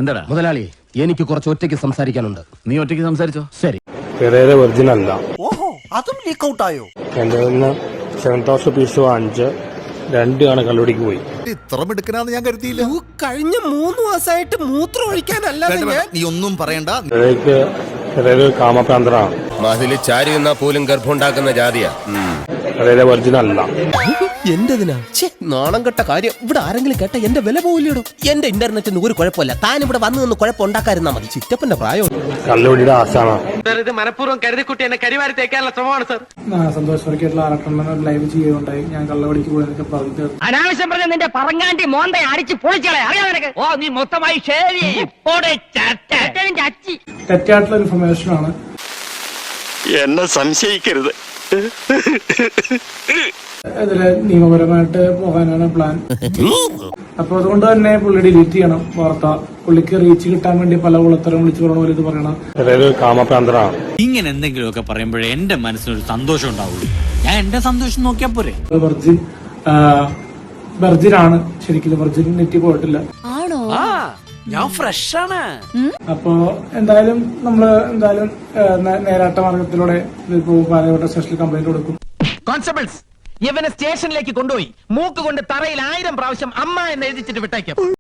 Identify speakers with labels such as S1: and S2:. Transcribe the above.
S1: എന്താടാ
S2: മുതലാളി, എനിക്ക് കുറച്ച് ഒറ്റയ്ക്ക് സംസാരിക്കാനുണ്ട്.
S1: നീ ഒറ്റയ്ക്ക് സംസാരിച്ചോ.
S2: ശരി.
S3: വെർജിൻ അല്ല.
S4: ഓഹോ, അതും ലീക്ക് ഔട്ട് ആയോ?
S3: എന്റെ 7,000 പീസ് വാങ്ങിച്ച് 2 ആണ് കള്ളുടിക്ക് പോയി.
S5: ഇത്ര മിടുക്കനാന്ന് ഞാൻ കരുതിയില്ല.
S4: കഴിഞ്ഞ 3 മാസമായിട്ട് മൂത്രം ഒഴിക്കാനല്ലാതെ
S5: നീ ഒന്നും പറയണ്ട.
S3: കാമപ്രാന്തനാണ്.
S6: മതില് ചാരി നിന്നാ പോലും ഗർഭമുണ്ടാക്കുന്ന ജാതിയാ.
S3: വെർജിൻ അല്ല.
S4: എന്റെതിനാ നാണം കെട്ട കാര്യം. ഇവിടെ ആരെങ്കിലും കേട്ട എന്റെ വില പോവില്ലടോ. എന്റെ ഇന്റർനെറ്റിന് ഒരു കുഴപ്പമില്ല. താൻ ഇവിടെ വന്നു നിന്ന് കുഴപ്പമുണ്ടാക്കാതിരുന്നാ മതി. ചിറ്റപ്പന്റെ പ്രായം.
S3: കള്ളുടിയുടെ ആശാണ്.
S7: ഇത് മനഃപൂർവ്വം കരുതിക്കുട്ടി എന്നെ കരിവാരി തേക്കാനുള്ള ശ്രമമാണ് സാർ.
S8: സന്തോഷമായിട്ടുള്ള ആറക്കണ്ണൻ ലൈവ് ചെയ്യുകയുണ്ടായി. ഞാൻ കള്ളവടിക്ക് പോയതൊക്കെ പറഞ്ഞു.
S7: അനാവശ്യം പറഞ്ഞ നിന്റെ പറങ്ങാണ്ടി മോന്തെ അടിച്ച് പൊളിച്ചളെ അറിയാം നിനക്ക്. ഓ നീ മൊത്തമായി
S8: തെറ്റായിട്ടുള്ള ഇൻഫർമേഷൻ ആണ്.
S6: എന്നെ സംശയിക്കരുത്.
S8: ഇതില് നിയമപരമായിട്ട് പോകാനാണ് പ്ലാൻ. അപ്പൊ അതുകൊണ്ട് തന്നെ പുള്ളി ഡിലീറ്റ് ചെയ്യണം വാർത്ത. പുള്ളിക്ക് റീച്ച് കിട്ടാൻ വേണ്ടി പല കുളത്തരം വിളിച്ചു പറഞ്ഞ പോലെ ഇത് പറയണം.
S3: കാമപ്രാന്തനാണ്.
S1: ഇങ്ങനെ എന്തെങ്കിലുമൊക്കെ പറയുമ്പോഴേ എന്റെ മനസ്സിനൊരു സന്തോഷം ഉണ്ടാവുള്ളൂ. ഞാൻ എന്റെ സന്തോഷം നോക്കിയാ പോരെ.
S8: വെർജിനാണ് ശരിക്കും. വെർജിൻ നെറ്റി പോയിട്ടില്ല.
S4: ഞാൻ ഫ്രഷ് ആണ്.
S8: അപ്പോ എന്തായാലും നേരാട്ട മാർഗത്തിലൂടെ ഇതിപ്പോ പാലയോട്ട സ്റ്റേഷനിൽ കംപ്ലൈന്റ് കൊടുക്കും.
S7: കോൺസ്റ്റബിൾസ്, ഇവനെ സ്റ്റേഷനിലേക്ക് കൊണ്ടുപോയി മൂക്ക് കൊണ്ട് തറയിൽ 1000 പ്രാവശ്യം അമ്മ എന്ന് എഴുതിച്ചിട്ട് വിട്ടേക്കും.